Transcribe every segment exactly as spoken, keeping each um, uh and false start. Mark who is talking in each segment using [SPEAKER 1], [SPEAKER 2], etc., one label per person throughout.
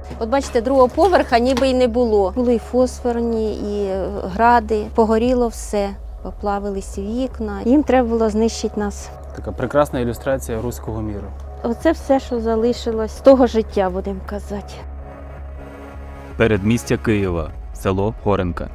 [SPEAKER 1] От бачите, другого поверха ніби й не було. Були і фосфорні, і гради, погоріло все, поплавились вікна. Їм треба було знищити нас.
[SPEAKER 2] Така прекрасна ілюстрація руського міру.
[SPEAKER 1] Оце все, що залишилось з того життя, будемо казати.
[SPEAKER 3] Передмістя Києва, село Горенка.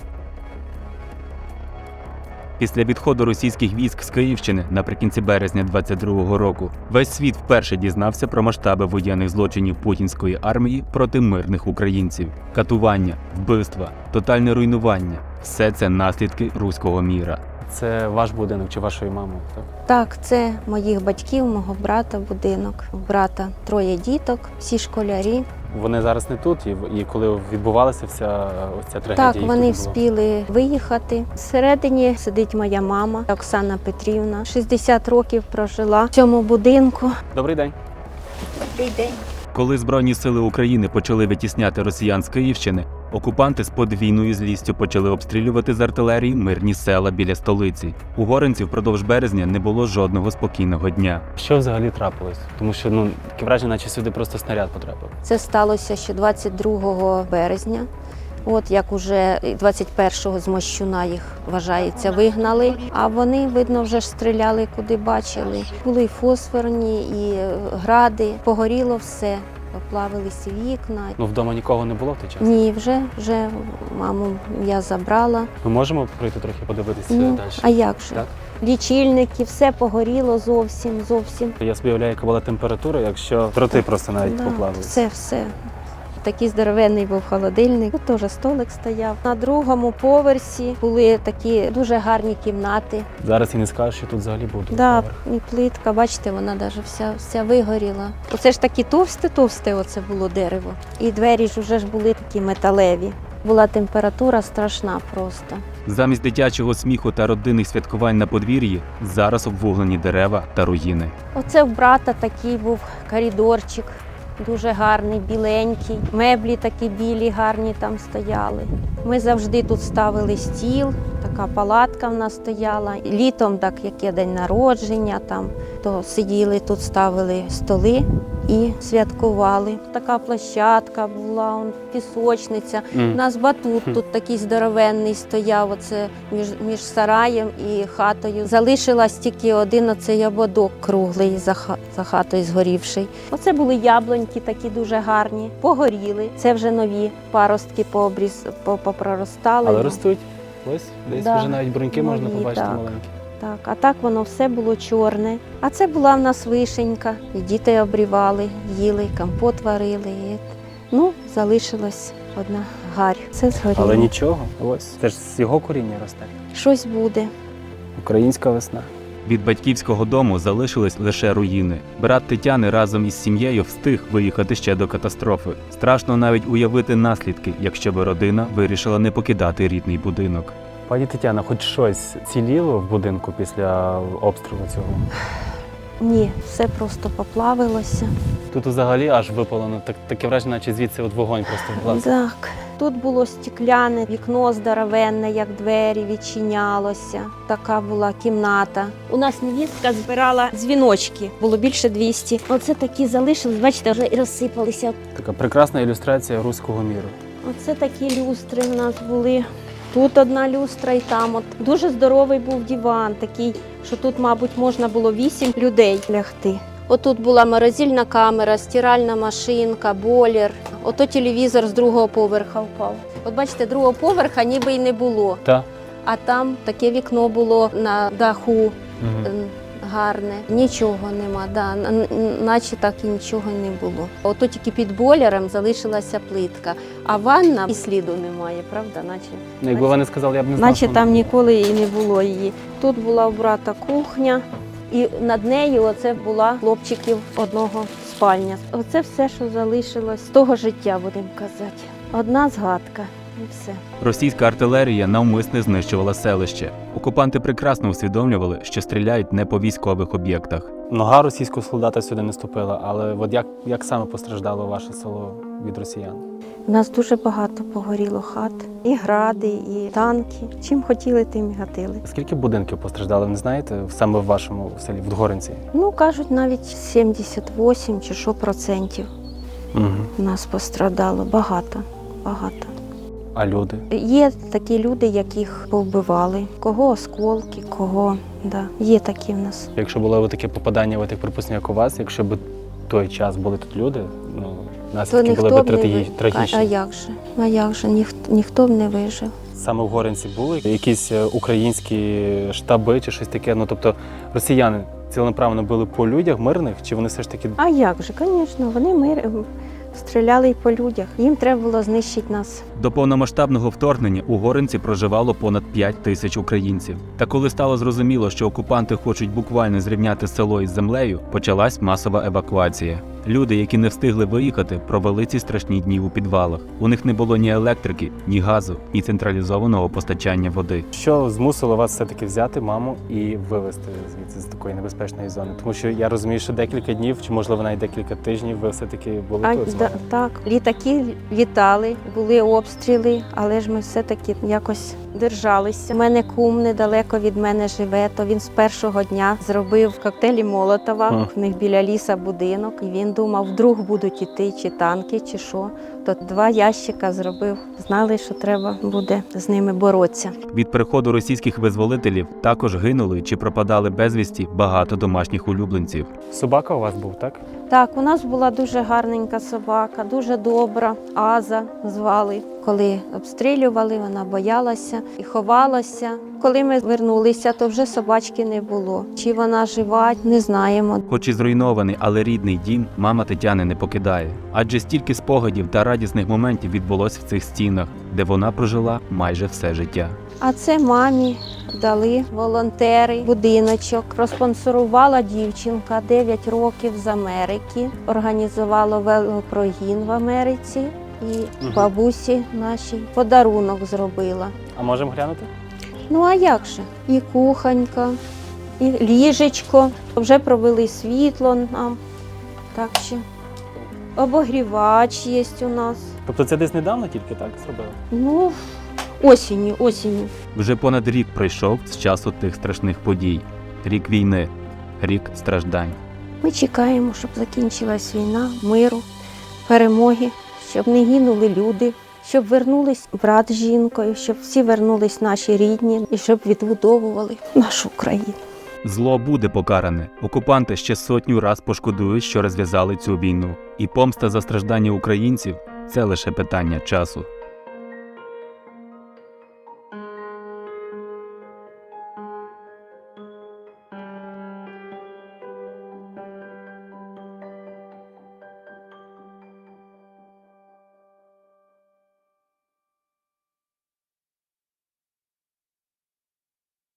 [SPEAKER 3] Після відходу російських військ з Київщини наприкінці березня двадцять другого року весь світ вперше дізнався про масштаби воєнних злочинів путінської армії проти мирних українців. Катування, вбивства, тотальне руйнування – все це наслідки руського міра.
[SPEAKER 2] Це ваш будинок чи вашої мами, так?
[SPEAKER 1] Так, це моїх батьків, мого брата будинок. У брата троє діток, всі школярі.
[SPEAKER 2] Вони зараз не тут, і, і коли відбувалася вся ось ця трагедія?
[SPEAKER 1] Так,
[SPEAKER 2] їх
[SPEAKER 1] вони
[SPEAKER 2] тут не було?
[SPEAKER 1] вспіли виїхати. Всередині сидить моя мама Оксана Петрівна. шістдесят років прожила в цьому будинку.
[SPEAKER 2] Добрий день.
[SPEAKER 1] Добрий день.
[SPEAKER 3] Коли Збройні сили України почали витісняти росіян з Київщини, окупанти з подвійною злістю почали обстрілювати з артилерії мирні села біля столиці. У Горенці впродовж березня не було жодного спокійного дня.
[SPEAKER 2] Що взагалі трапилось? Тому що ну таке враження, наче сюди просто снаряд потрапив.
[SPEAKER 1] Це сталося ще двадцять другого березня. От як уже двадцять першого з Мощуна їх, вважається, вигнали. А вони, видно, вже ж стріляли, куди бачили. Були і фосфорні, і гради, погоріло все, поплавились вікна.
[SPEAKER 2] Ну вдома нікого не було в той час?
[SPEAKER 1] Ні, вже, вже маму я забрала.
[SPEAKER 2] Ми можемо пройти трохи подивитися
[SPEAKER 1] Ну,
[SPEAKER 2] далі?
[SPEAKER 1] а як же?
[SPEAKER 2] Так?
[SPEAKER 1] Лічильники, все погоріло зовсім, зовсім.
[SPEAKER 2] Я собі уявляю, яка була температура, якщо дроти просто навіть
[SPEAKER 1] Да,
[SPEAKER 2] поплавились.
[SPEAKER 1] все, все. Такий здоровенний був холодильник. Тут теж столик стояв. На другому поверсі були такі дуже гарні кімнати.
[SPEAKER 2] Зараз і не скажеш, що тут взагалі був другий
[SPEAKER 1] Да,
[SPEAKER 2] поверх.
[SPEAKER 1] і плитка, бачите, вона навіть вся, вся вигоріла. Оце ж такі товсте-товсте оце було дерево. І двері ж вже ж були такі металеві. Була температура страшна просто.
[SPEAKER 3] Замість дитячого сміху та родинних святкувань на подвір'ї зараз обвуглені дерева та руїни.
[SPEAKER 1] Оце в брата такий був коридорчик. Дуже гарний, біленький. Меблі такі білі, гарні там стояли. Ми завжди тут ставили стіл, така палатка в нас стояла. Літом, так як є день народження, там, то сиділи тут, ставили столи і святкували. Така площадка була, он, пісочниця.
[SPEAKER 2] Mm.
[SPEAKER 1] У нас батут тут такий здоровенний стояв, оце між, між сараєм і хатою. Залишилась тільки один оцей ободок круглий за, ха, за хатою згорівший. Оце були яблуньки такі дуже гарні, погоріли. Це вже нові паростки пообріз, попроростали.
[SPEAKER 2] Але ростуть. Ось, десь
[SPEAKER 1] Да.
[SPEAKER 2] вже навіть бруньки можна
[SPEAKER 1] Нові,
[SPEAKER 2] побачити
[SPEAKER 1] так.
[SPEAKER 2] маленькі.
[SPEAKER 1] Так, а так воно все було чорне. А це була в нас вишенька. І діти обрівали, їли, компот варили. І... Ну, залишилась одна гарь. Це згоріло.
[SPEAKER 2] Але нічого, ось. Це ж з його коріння росте.
[SPEAKER 1] Щось буде.
[SPEAKER 2] Українська весна.
[SPEAKER 3] Від батьківського дому залишились лише руїни. Брат Тетяни разом із сім'єю встиг виїхати ще до катастрофи. Страшно навіть уявити наслідки, якщо би родина вирішила не покидати рідний будинок.
[SPEAKER 2] Пані Тетяна, хоч щось ціліло в будинку після обстрілу цього?
[SPEAKER 1] Ні, все просто поплавилося.
[SPEAKER 2] Тут взагалі аж випалено, так, таке враження, наче звідси от вогонь просто влазить.
[SPEAKER 1] Так. Тут було стекляне, вікно здоровенне, як двері, відчинялося. Така була кімната. У нас невістка збирала дзвіночки, було більше двісті. Оце такі залишились, бачите, вже і розсипалися.
[SPEAKER 2] Така прекрасна ілюстрація руського міру.
[SPEAKER 1] Оце такі люстри в нас були. Тут одна люстра і там. От. Дуже здоровий був диван, такий, що тут, мабуть, можна було вісім людей лягти. Отут була морозильна камера, стиральна машинка, бойлер. Ото телевізор з другого поверха впав. От бачите, другого поверха ніби й не було.
[SPEAKER 2] Так.
[SPEAKER 1] А там таке вікно було на даху
[SPEAKER 2] Угу.
[SPEAKER 1] м, гарне. Нічого нема, да, н- н- наче так і нічого не було. Ото тільки під бойлером залишилася плитка, а ванна і сліду немає, правда? Наче,
[SPEAKER 2] Ну, якби вони сказали, я б не знав.
[SPEAKER 1] наче
[SPEAKER 2] що
[SPEAKER 1] там
[SPEAKER 2] вона-
[SPEAKER 1] ніколи і не було її. Тут була у брата кухня, і над нею оце була хлопчиків одного спальня. Оце все, що залишилось з того життя, будемо казати. Одна згадка і все.
[SPEAKER 3] Російська артилерія навмисне знищувала селище. Окупанти прекрасно усвідомлювали, що стріляють не по військових об'єктах.
[SPEAKER 2] Нога російського солдата сюди не ступила, але от як, як саме постраждало ваше село від росіян?
[SPEAKER 1] У нас дуже багато погоріло хат, і гради, і танки. Чим хотіли, тим і гатили.
[SPEAKER 2] Скільки будинків постраждало, не знаєте, саме в вашому селі, в Горенці?
[SPEAKER 1] Ну, кажуть, навіть сімдесят вісім чи що процентів.
[SPEAKER 2] Угу.
[SPEAKER 1] У нас пострадало багато, багато.
[SPEAKER 2] А люди?
[SPEAKER 1] Є такі люди, яких повбивали, кого осколки, кого, да, є такі в нас.
[SPEAKER 2] Якщо було таке попадання, ви так припустимо, як у вас, якщо б той час були тут люди, ну,
[SPEAKER 1] То
[SPEAKER 2] наслідки були
[SPEAKER 1] ніхто
[SPEAKER 2] б
[SPEAKER 1] б не
[SPEAKER 2] трагічні.
[SPEAKER 1] вижив. А, а
[SPEAKER 2] трагічні.
[SPEAKER 1] як же? А як же? Ніх, ніхто б не вижив.
[SPEAKER 2] Саме в Горинці були якісь е, українські штаби чи щось таке, ну тобто росіяни ціленаправно били по людях мирних, чи вони все ж таки
[SPEAKER 1] А як же? Звісно, вони мир... стріляли й по людях. Їм треба було знищити нас.
[SPEAKER 3] До повномасштабного вторгнення у Горинці проживало понад п'ять тисяч українців. Та коли стало зрозуміло, що окупанти хочуть буквально зрівняти село із землею, почалась масова евакуація. Люди, які не встигли виїхати, провели ці страшні дні у підвалах. У них не було ні електрики, ні газу, ні централізованого постачання води.
[SPEAKER 2] що змусило вас все-таки взяти маму і вивезти звідси з такої небезпечної зони? Тому що я розумію, що декілька днів, чи можливо навіть декілька тижнів, ви все-таки були
[SPEAKER 1] А,
[SPEAKER 2] тут. з
[SPEAKER 1] да,
[SPEAKER 2] мамою?
[SPEAKER 1] так, літаки літали, були обстріли, але ж ми все-таки якось держалися. У мене кум недалеко від мене живе, то він з першого дня зробив коктейлі Молотова.
[SPEAKER 2] Ага.
[SPEAKER 1] В них біля ліса будинок. І він думав, вдруг будуть іти чи танки, чи що. То два ящика зробив. Знали, що треба буде з ними боротися.
[SPEAKER 3] Від приходу російських визволителів також гинули чи пропадали безвісті багато домашніх улюбленців.
[SPEAKER 2] Собака у вас був, так?
[SPEAKER 1] Так, у нас була дуже гарненька собака, дуже добра. Аза звали. Коли обстрілювали, вона боялася і ховалася. Коли ми вернулися, то вже собачки не було. Чи вона жива, не знаємо.
[SPEAKER 3] Хоч і зруйнований, але рідний дім мама Тетяни не покидає. Адже стільки спогадів та радісних моментів відбулось в цих стінах, де вона прожила майже все життя.
[SPEAKER 1] А це мамі дали волонтери будиночок. Розспонсорувала дівчинка дев'ять років з Америки. Організувала велопрогін в Америці. І
[SPEAKER 2] Мгм.
[SPEAKER 1] бабусі нашій подарунок зробила.
[SPEAKER 2] А можемо глянути?
[SPEAKER 1] Ну а як же? І кухонька, і ліжечко. Вже провели світло нам. Так що обогрівач є у нас.
[SPEAKER 2] Тобто це десь недавно тільки так зробили?
[SPEAKER 1] Ну, осінню, осінню.
[SPEAKER 3] Вже понад рік пройшов з часу тих страшних подій. Рік війни, рік страждань.
[SPEAKER 1] Ми чекаємо, щоб закінчилась війна, миру, перемоги, щоб не гинули люди, щоб вернулись брат з жінкою, щоб всі вернулись наші рідні і щоб відбудовували нашу країну.
[SPEAKER 3] Зло буде покаране. Окупанти ще сотню раз пошкодують, що розв'язали цю війну. І помста за страждання українців – це лише питання часу.